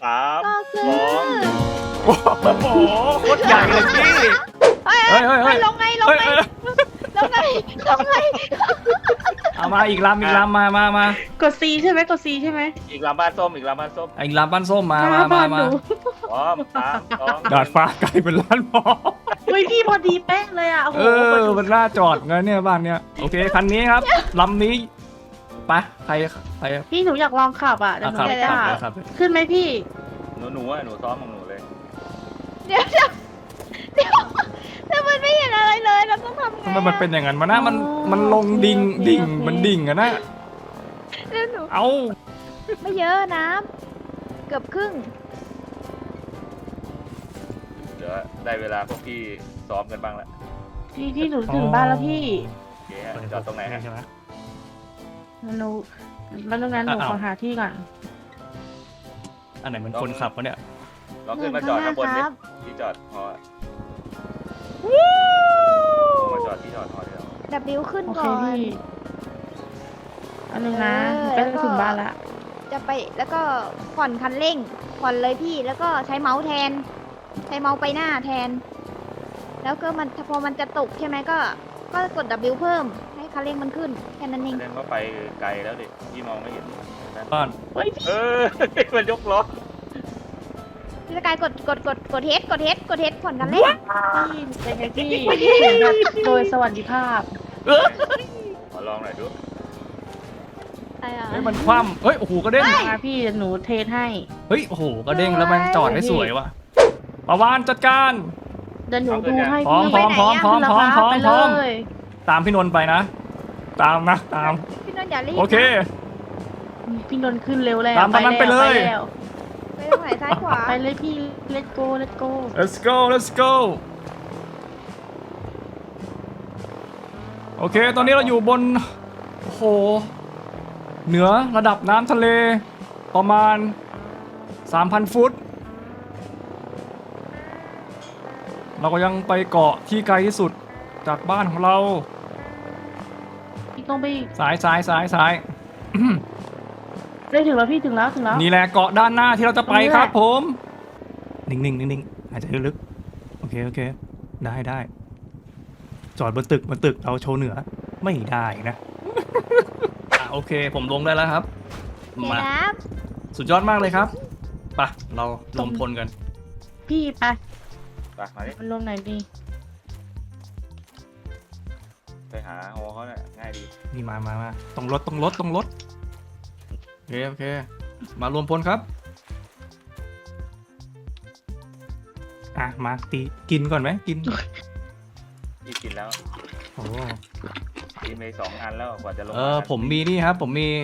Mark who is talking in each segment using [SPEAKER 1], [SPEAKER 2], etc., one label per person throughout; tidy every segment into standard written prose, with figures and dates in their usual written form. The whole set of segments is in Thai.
[SPEAKER 1] สาม
[SPEAKER 2] ก็คือ
[SPEAKER 1] สอง
[SPEAKER 3] โอ้โหโคตรใหญ่เลยพี่
[SPEAKER 2] เฮ้ย
[SPEAKER 3] เฮ้ย
[SPEAKER 2] ลงไงลงไงลงไงลงไง
[SPEAKER 3] เอามาอีกลำมาก
[SPEAKER 4] ด C ใช่ไหมกด C ใช่ไหม
[SPEAKER 1] อีกลำบ้านส้มอีกลำบ้านส้ม
[SPEAKER 3] อีกลำบ้านส้มมา
[SPEAKER 4] บ้านหนู
[SPEAKER 1] พร้อมสามสอง
[SPEAKER 3] ดาดฟ้ากลายเป็นร้านหมอ
[SPEAKER 4] เฮ้ยพี่พอดีเป๊ะเลยอ่ะโอ้โห
[SPEAKER 3] มันน่าจอดไงเนี่ยบ้านเนี้ยโอเคคันนี้ครับลำนี้ไปใคร
[SPEAKER 4] พี่หนูอยากลองขับอ่ะแต่หนู
[SPEAKER 3] ขับ
[SPEAKER 4] ไม่กล้า
[SPEAKER 3] ครับ
[SPEAKER 4] ขึ้นไหมพี่
[SPEAKER 1] หนูซ้อมของหนูเลย
[SPEAKER 2] เดี๋ยวแต่มันไม่เห็นอะไรเลยเราต้องทำไง
[SPEAKER 3] ทำไมมันเป็นอย่างนั้นมานะมันลงดิ่งมันดิ่งอะนะ
[SPEAKER 2] เดี๋ยวหนู
[SPEAKER 3] เอา
[SPEAKER 2] ไม่เยอะน้ำเกือบครึ่ง
[SPEAKER 1] เดี๋ยวได้เวลาพวกพี่ซ้อมกันบ้างแล้ว
[SPEAKER 4] พี่หนูถึงบ้านแล้วพี่
[SPEAKER 1] โอเคฮะจอดตรงไหนฮะ
[SPEAKER 3] ใช่ไหม
[SPEAKER 4] หนูแล้วตรงนั้นหนูขอหาที่ก่อน
[SPEAKER 3] อันไหนมันคนขับวะเนี่ย
[SPEAKER 1] ลองขึ้นมาจอดข้างบนดิที่จอดพอมาจอดที่จอดพอเดียว
[SPEAKER 2] ดับบิวขึ้น
[SPEAKER 4] โอเค
[SPEAKER 2] ก่อน
[SPEAKER 4] พี่อันนึงนะใกล้จะถึงบ้านละ
[SPEAKER 2] จะไปแล้วก็ผ่อนคันเร่งผ่อนเลยพี่แล้วก็ใช้เมาส์แทน ใช้เมาส์ไปหน้าแทน แล้วก็มันพอมันจะตกใช่ไหมก็กด W เพิ่มให้คันเร่งมันขึ้นแค่นั้นเอง
[SPEAKER 1] แสดงว่าไปไกลแล้วดิพี่มองไม่เห็น
[SPEAKER 3] บ้าน
[SPEAKER 4] เฮ้ยพี่
[SPEAKER 1] มันยกล้อ
[SPEAKER 2] พี่สกายกดเฮดผ่อนคันเร่ง
[SPEAKER 4] เป็นไงพี่แบบโดยสวัสดิภาพ
[SPEAKER 1] ขอลองหน่อยดู
[SPEAKER 2] อะไรอ่ะ
[SPEAKER 3] เฮ้ยมันคว่ำเฮ้ยโอ้โหกระเด้ง
[SPEAKER 4] มาพี่เดี๋ยวหนูเทสให้
[SPEAKER 3] เฮ้ยโอ้โหกระเด้งแล้วมันจอดได้สวยว่ะประวานจัดการ
[SPEAKER 4] เดี๋ยวหนูดูให้
[SPEAKER 3] พร้อม
[SPEAKER 4] พี่
[SPEAKER 3] พร้อม
[SPEAKER 4] ขึ้นราคาไปเลย
[SPEAKER 3] ตามพี่นนท์ไปนะ ตาม
[SPEAKER 2] พี่นนท์อย่ารีบ
[SPEAKER 3] โอเค
[SPEAKER 4] พี่นนท์ขึ้นเร็วแล้ว
[SPEAKER 3] ตามตอนนั้นไปเลย
[SPEAKER 4] แล้ว
[SPEAKER 2] ไปตรงไหนซ้ายขวา
[SPEAKER 4] ไปเลยพี่ let's go let's go
[SPEAKER 3] let's go โอเค ตอนนี้เราอยู่บนโอ้โหเหนือระดับน้ำทะเลประมาณ 3,000 ฟุต เราก็ยังไปเกาะที่ไกลที่สุดจากบ้านของเรา
[SPEAKER 4] พี่ต้องไป
[SPEAKER 3] ซ้าย
[SPEAKER 4] ได้ถึงแล้วพี่ถึงแล้ว
[SPEAKER 3] นี่แหละเกาะด้านหน้าที่เราจะไปครับผม นิ่งหายใจลึกๆโอเคได้จอดบนตึกเราโชว์เหนือไม่ได้นะ โอเคผมลงได้แล้วครับ
[SPEAKER 2] เดี๋ยว
[SPEAKER 3] มา
[SPEAKER 2] นะ
[SPEAKER 3] สุดยอดมากเลยครับไปเรารวมพลกัน
[SPEAKER 4] พี่ไป
[SPEAKER 1] ไปมาดิ
[SPEAKER 4] มันลงไหนดี
[SPEAKER 1] ไปหาโฮเขาเนี่ยง่ายดี
[SPEAKER 3] นี่มาต้องรถโอเคมารวมพลครับมาตีกินก่อนไหมกิน
[SPEAKER 1] พี่กินแล้ว
[SPEAKER 3] โอ้
[SPEAKER 1] กินไป2 อันแล้วกว่าจะลง
[SPEAKER 3] ผมมีนี่ครับผมมี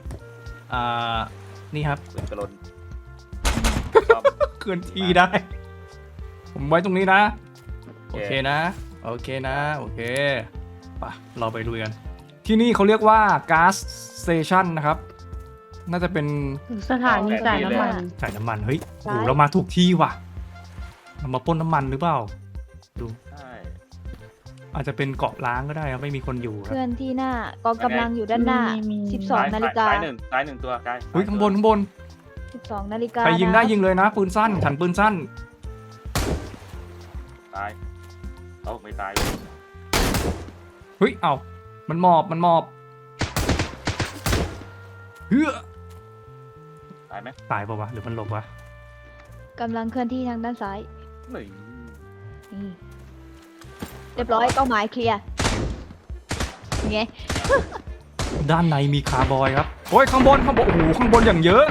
[SPEAKER 3] นี่ครับ
[SPEAKER 1] ปืนกระลน
[SPEAKER 3] เคลื่อนที่ได้ ผมไว้ตรงนี้นะโอเคนะโอเคไปเราไปดูกันที่นี่เขาเรียกว่าก๊าซสเตชันนะครับน่าจะเป็น
[SPEAKER 4] สถานีจ่ายน้ำมัน
[SPEAKER 3] จ่ายน้ำมันเฮ้ยโอ้โหเรามาถูกที่ว่ะเรามาปล้นน้ำมันหรือเปล่าดู
[SPEAKER 1] ใช่
[SPEAKER 3] อาจจะเป็นเกาะล้างก็ได้ครับไม่มีคนอยู่ครับ
[SPEAKER 2] เพื่อนที่หน้ากองกำลังอยู่ด้านหน้า
[SPEAKER 4] มี
[SPEAKER 2] 12 นาฬิกา
[SPEAKER 1] ซ้ายหนึ่งตัวกาย
[SPEAKER 3] เฮ้ยข้างบน
[SPEAKER 2] 12 นาฬิกา
[SPEAKER 3] ใครยิงได้
[SPEAKER 2] นะ
[SPEAKER 3] ยิงเลยนะปืนสั้นฉันปืนสั้น
[SPEAKER 1] ตายเอาไม่ตาย
[SPEAKER 3] เฮ้ยเอามันหมอบเฮ้ย
[SPEAKER 1] ตายไหม
[SPEAKER 3] ตายป่าวะหรือมันหลบวะ
[SPEAKER 2] กำลังเคลื่อนที่ทางด้านซ้าย
[SPEAKER 1] ไม่
[SPEAKER 2] นี่เรียบร้อยเป้าหมายเคลียร์ไง
[SPEAKER 3] ด้านในมีคาร์บอยครับโอ้ยข้างบนโอ้โหข้างบนอย่างเยอะ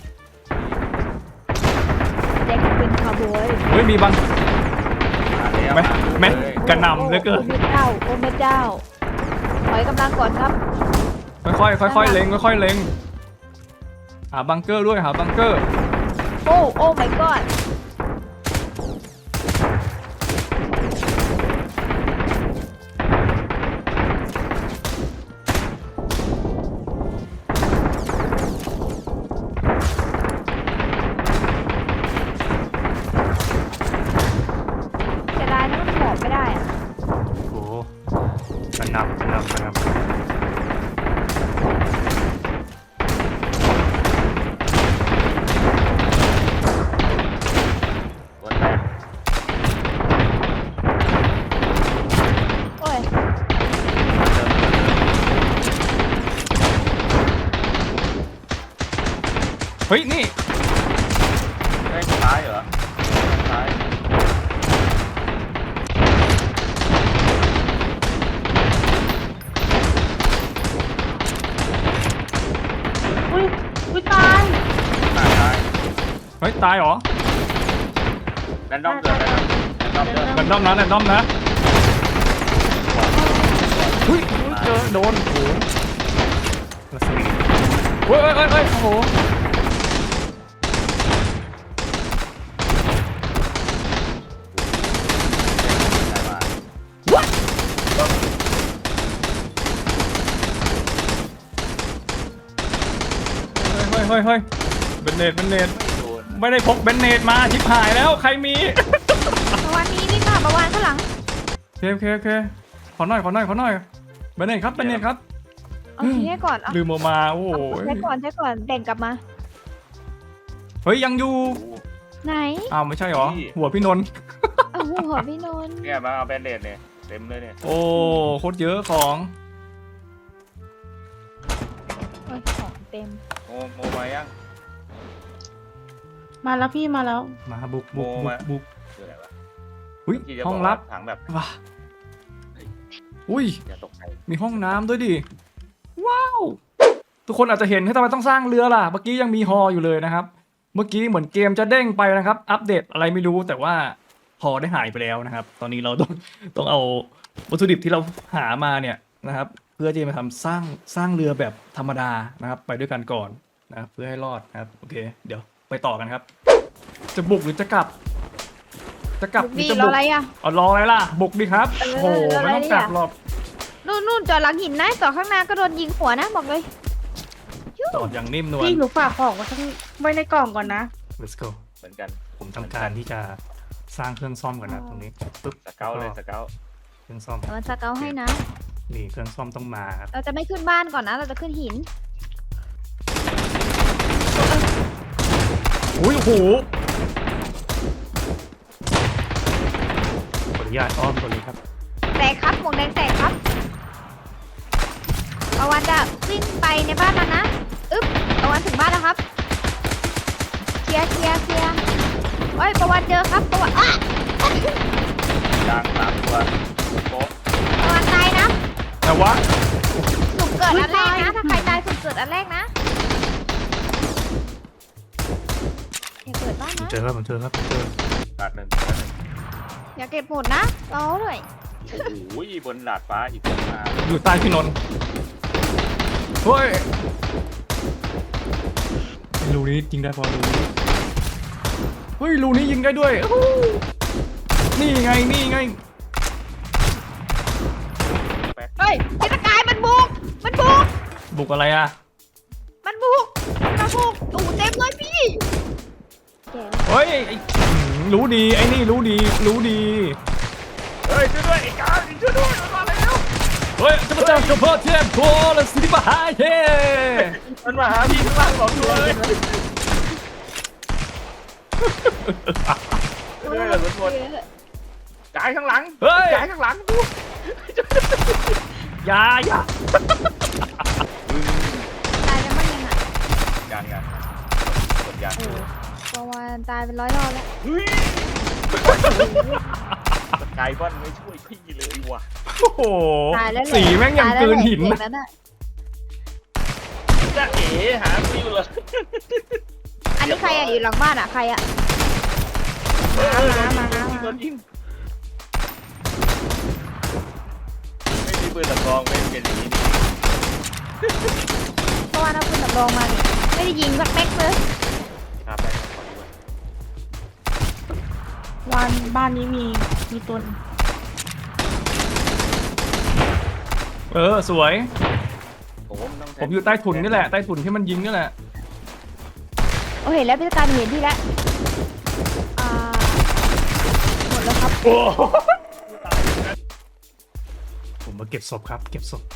[SPEAKER 2] แจ็คเป็นคาร์บอย
[SPEAKER 3] เฮ้ยมีบาง
[SPEAKER 1] แล้ว
[SPEAKER 3] แม่กระหน่ำเหลือเกิน
[SPEAKER 2] โอ้แม่เจ้าโอ้แม่เจ้าถอยกำลังก่อนครับ
[SPEAKER 3] ค่อยเล็งเล็งหาบังเกอร์ด้วยหาบังเกอร์
[SPEAKER 2] โอ้ my godเสียดายนะมันหมอบไม่ได้อะ
[SPEAKER 3] โอ้โหกระหน่ำ
[SPEAKER 1] ด้านซ้ายเหรอซ้าย
[SPEAKER 4] อุ้ยอุ้ยตาย
[SPEAKER 1] ซ้าย
[SPEAKER 3] เฮ้ยตายเหรอ
[SPEAKER 1] แรนดอมเกิดแรนดอมเกิด
[SPEAKER 3] แรนดอมนะแรนดอมนะอุ้ยเจอโดนโอ้โหรัศมีเฮ้ยโอ้โหเฮ้ยเบนเนต
[SPEAKER 1] โดน
[SPEAKER 3] ไม่ได้พกเบนเนตมาชิบหายแล้วใครมี
[SPEAKER 2] ประวันนี้นี่ค่ะประวันข้างหลัง
[SPEAKER 3] โอเคขอหน่อยเบนเนตครับเบนเนตครับ
[SPEAKER 2] เอาทีให้ก่อนเอา
[SPEAKER 3] ลืมเอามาโอ้โห
[SPEAKER 2] ใช้ก่อนแบ่งกลับมา
[SPEAKER 3] เฮ้ยยังอยู่
[SPEAKER 1] โอ้โห
[SPEAKER 2] ไหน
[SPEAKER 3] อ้าวไม่ใช่เหรอ
[SPEAKER 1] พี่
[SPEAKER 3] หัวพี่นนท์
[SPEAKER 2] เอาหัวพี่นนท์
[SPEAKER 1] เนี่ยมาเอาแบนเดดเนี่ยเต็มเลยเนี่ย
[SPEAKER 3] โอ้โคตรเยอะของ
[SPEAKER 2] โอ้ยของเต็ม
[SPEAKER 1] โมมายัง
[SPEAKER 4] มาแล้วพี่มาแล้ว
[SPEAKER 3] มาบุก
[SPEAKER 1] คืออะไรวะ
[SPEAKER 3] อุ้ย
[SPEAKER 1] ที่จะ
[SPEAKER 3] ห้
[SPEAKER 1] บ
[SPEAKER 3] อ
[SPEAKER 1] อง ก
[SPEAKER 3] ลั
[SPEAKER 1] ว่า
[SPEAKER 3] บ
[SPEAKER 1] ถังแบบ
[SPEAKER 3] ว้าอุ้ย
[SPEAKER 1] อย่าตกใจ
[SPEAKER 3] มีห้องน้ำด้วยดิว้าวทุกคนอาจจะเห็นให้ทำไมต้องสร้างเรือล่ะเมื่อกี้ยังมีฮออยู่เลยนะครับ เมื่อกี้เหมือนเกมจะเด้งไปนะครับ อัปเดตอะไรไม่รู้แต่ว่าฮอได้หายไปแล้วนะครับ ตอนนี้เราต้องเอาวัตถุดิบที่เราหามาเนี่ยนะครับ เพื่อที่จะมาทำสร้างเรือแบบธรรมดานะครับ ไปด้วยกันก่อนนะครับเพื่อให้รอดนะครับโอเค เดี๋ยวไปต่อกันครับ จะบุกหรือจะกลับหรือ
[SPEAKER 2] ดี
[SPEAKER 3] จะ
[SPEAKER 2] รอ
[SPEAKER 3] บุก
[SPEAKER 2] อะไรอ่ะ
[SPEAKER 3] เอารออะไรล่ะบุกดิครับ
[SPEAKER 2] เออ
[SPEAKER 3] โอ้โห
[SPEAKER 2] รออะไร
[SPEAKER 3] ไม่ต้องกลับ
[SPEAKER 2] อ่ะ
[SPEAKER 3] หรอก
[SPEAKER 2] นู่นจอดหลังหินนะจอดข้างหน้าก็โดนยิงหัวนะบอกเลย
[SPEAKER 3] จอดอย่างนิ่มนวล
[SPEAKER 4] พี่หนูฝากของไว้ในกล่องก่อนนะ
[SPEAKER 3] let's go
[SPEAKER 1] เหมือนกัน
[SPEAKER 3] ผมทำการที่จะสร้างเครื่องซ่อมก่อนนะตรงนี้ปึ๊บ
[SPEAKER 1] สเกลเลยสเกล
[SPEAKER 3] เครื่องซ่อม
[SPEAKER 2] แต่มันสเกลให้นะ
[SPEAKER 3] นี่เครื่องซ่อมต้องมาครับ
[SPEAKER 2] เราจะไม่ขึ้นบ้านก่อนนะ เราจะขึ้นหิน
[SPEAKER 3] อุ้ยโอ้โหขออนุญาตอ้อมตัวนี้ครับ
[SPEAKER 2] แตกครับหมวกแดงแตกครับประวันจะวิ่งไปในบ้านแล้วนะอึ๊บประวันถึงบ้านแล้วครับเคลียร์โอ้ยประวันเจอครับประวันอ่ะ
[SPEAKER 1] ยาง3 ตัวโป๊ะ
[SPEAKER 2] ประวันตายนะ
[SPEAKER 3] แต่ว่า
[SPEAKER 2] สุ่มเกิดอันแรกนะ ถ้าใครตายสุ่มเกิดอันแรกนะอย่าเกิดบ้านนะ
[SPEAKER 3] เจอครับเจอ
[SPEAKER 1] ดาดหนึ่ง
[SPEAKER 2] อย่าเก็บหมดนะรอด้วย
[SPEAKER 1] โอ้โหบนดาดฟ้าอีกตัวมา
[SPEAKER 3] อยู่ใต้พี่นนท์เฮ้ยรูนี้ยิงได้พอรูนี้เฮ้ยรูนี้ยิงได้ด้วยอู้หูนี่ไง
[SPEAKER 2] เฮ้ยเทศกาลมันบุก
[SPEAKER 3] บุกอะไรอ่ะ
[SPEAKER 2] มันบุกตู่เต็มเลยพี่แก
[SPEAKER 3] เฮ้ยรู้ดีไอ้นี่รู้ดี
[SPEAKER 1] เฮ้ยช่วยด้วยไอ้กาช่วยด้วยมันมาแล้ว
[SPEAKER 3] เฮ้ยจะมาเจอกับพ่อเทพโคและสิบหายเฮ้
[SPEAKER 1] มันมาหาพี่ข้างล่าง2 ตัวเลยช่วยด้วยเหรอทุกคนกายข้างหลัง
[SPEAKER 3] เฮ้ย
[SPEAKER 1] กายข้างหลังดู
[SPEAKER 3] อย่า
[SPEAKER 2] ตายแล้วมั้งยังอ่ะ
[SPEAKER 1] ยางกดยาง
[SPEAKER 2] ประวันตายเป็น100 รอบแล้ว
[SPEAKER 1] เฮ้ยสกายบอนไม่ช่วยพี่เลยว่ะ
[SPEAKER 3] โอ้โห
[SPEAKER 2] ตายแล้วแหละ
[SPEAKER 3] สีแม่งยังเกินหิน
[SPEAKER 2] ตาย
[SPEAKER 3] นะ
[SPEAKER 2] แล้วแหละ
[SPEAKER 1] จะเอ๋หาฟิวเลย
[SPEAKER 2] อันนี้ใครอ่ะอยู่หลังบ้านอ่ะใครอ่ะ
[SPEAKER 1] โดนยิงไม่มีปืนสำรองไม่เป็นอย่างนี้นี่
[SPEAKER 2] เพราะว่าเราขึ้นสำรองมานี่ไม่ได้ยิงสักแม็กเลย
[SPEAKER 1] ครับได้ครับขอดูก่อน
[SPEAKER 4] บ้านนี้มีตัวหนึ่ง
[SPEAKER 3] สวย
[SPEAKER 1] โอ้โหนต้งใช้
[SPEAKER 3] ผมอยู่ใต้ถุนนี่แหละ ใต้ถุนที่มันยิงนี่แหละ
[SPEAKER 2] โอ้เห็นแล้วพิจารณาเห็นที่แล้วหมดแล้วครับ
[SPEAKER 3] ผมมาเก็บศพครับ เก็บศพ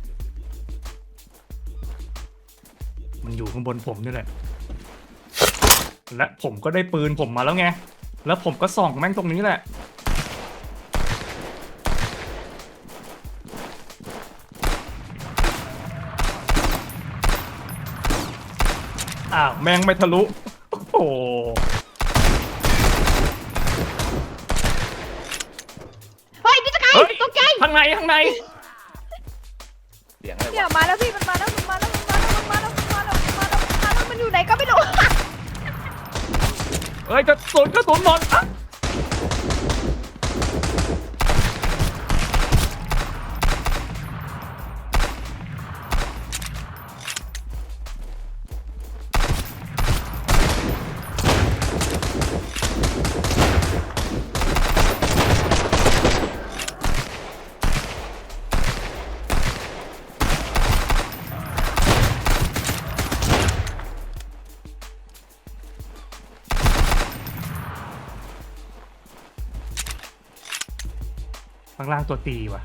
[SPEAKER 3] มันอยู่ข้างบนผมนี่แหละ และผมก็ได้ปืนผมมาแล้วไง แล้วผมก็ส่องแม่งตรงนี้แหละ อ้าวแม่งไม่ทะลุ โอ้โห
[SPEAKER 2] ตกใจ
[SPEAKER 3] ข้างใน
[SPEAKER 1] เสียงอะไร
[SPEAKER 2] เนี่ยว
[SPEAKER 1] ะ
[SPEAKER 2] มาแล้วพี่มันมาแล้วมันอยู่ไหนก็ไม่รู้
[SPEAKER 3] เอ้ยกระสุนหมดอ่ะข้างล่างตัวตีว่ะ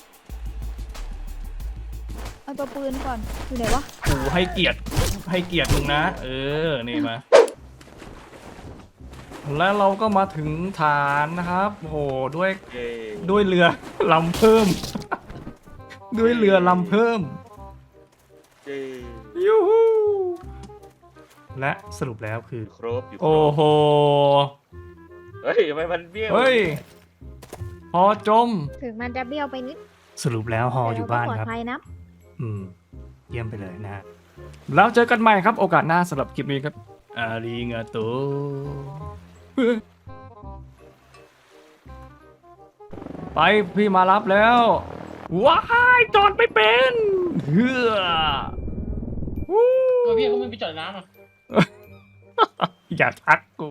[SPEAKER 2] เอาตัวปืนก่อนอยู่ไหนวะ
[SPEAKER 3] กูให้เกียรติมึงนะ นี่มา แล้วเราก็มาถึงฐานนะครับโอ้โหด้วย
[SPEAKER 1] เย้
[SPEAKER 3] เรือลำเพิ่ม ด้วยเรือลำเพิ่ม
[SPEAKER 1] เย้
[SPEAKER 3] ยูฮูและสรุปแล้วคือ
[SPEAKER 1] ครบอยู่คร
[SPEAKER 3] โอ้
[SPEAKER 1] บ
[SPEAKER 3] โห
[SPEAKER 1] เฮ้ยทำไมมันเบี้ยว
[SPEAKER 3] เฮ้ยฮอจม
[SPEAKER 2] ถึงมันจะเบี้ยวไปนิด
[SPEAKER 3] สรุปแล้วฮออยู่บ้าน
[SPEAKER 2] แต่เรก็ปลอ
[SPEAKER 3] ครับ
[SPEAKER 2] ดภัยนะ
[SPEAKER 3] เยี่ยมไปเลยนะฮะแล้วเจอกันใหม่ครับโอกาสหน้าสำหรับคลิปนี้ครับอาริงาโตไปพี่มารับแล้ว ว้ายจอดไม่เป็นเฮือวู้
[SPEAKER 5] พี่เขาไม่ไปจอดน้ำอ่ะ
[SPEAKER 3] อย่าทักกู